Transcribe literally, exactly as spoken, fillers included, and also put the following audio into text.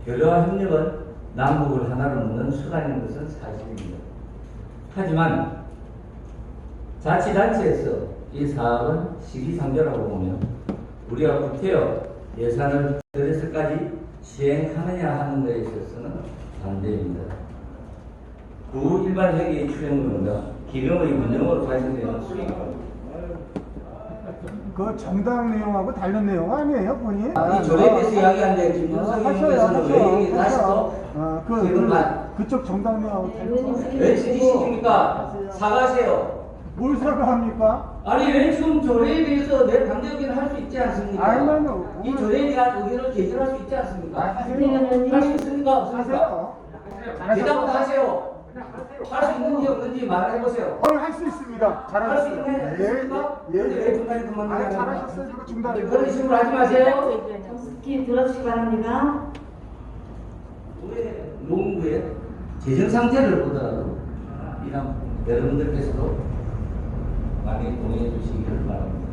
교류와 협력은 남북을 하나로 묶는 수단인 것은 사실입니다. 하지만 자치단체에서 이 사업은 시기상조라고 보며 우리가 구태여 예산을 들여서까지 시행하느냐 하는 것에 있어서는 반대입니다. 구 일반 회계의 출연금과 기금의 운영으로 발생되는 수익, 그 정당 내용하고 다른 내용 아니에요, 본인? 이 조례에 대해서 이야기하는데 김준성 의원께서는 왜 이게 다시 또 아, 그, 기금만 그, 그쪽 정당 내용하고 다른 왜 지지시킵니까? 사과하세요. 뭘 사과합니까? 아니 왜 지금 조례에 대해서 내 반대 의견을 할 수 있지 않습니까? 아니면은 이 조례에 대한 의견을 제시할 수 있지 않습니까? 하세요. 할 수 있습니까? 없습니까? 하세요. 대답을 하세요. 할 수 있는지 없는지 말해보세요. 오늘 할 수 있습니다. 할 수 잘하셨어요. 있는 예, 있습니까? 예, 근데 예. 왜 중간에 그만 아, 나가는 잘하셨어요. 이거 중단에. 그런 식으로 하지 마세요. 정숙히 들어주시기 바랍니다. 왜 농구의 재정 상태를 보더라도 이런 여러분들께서도 많이 동의해 주시기를 바랍니다.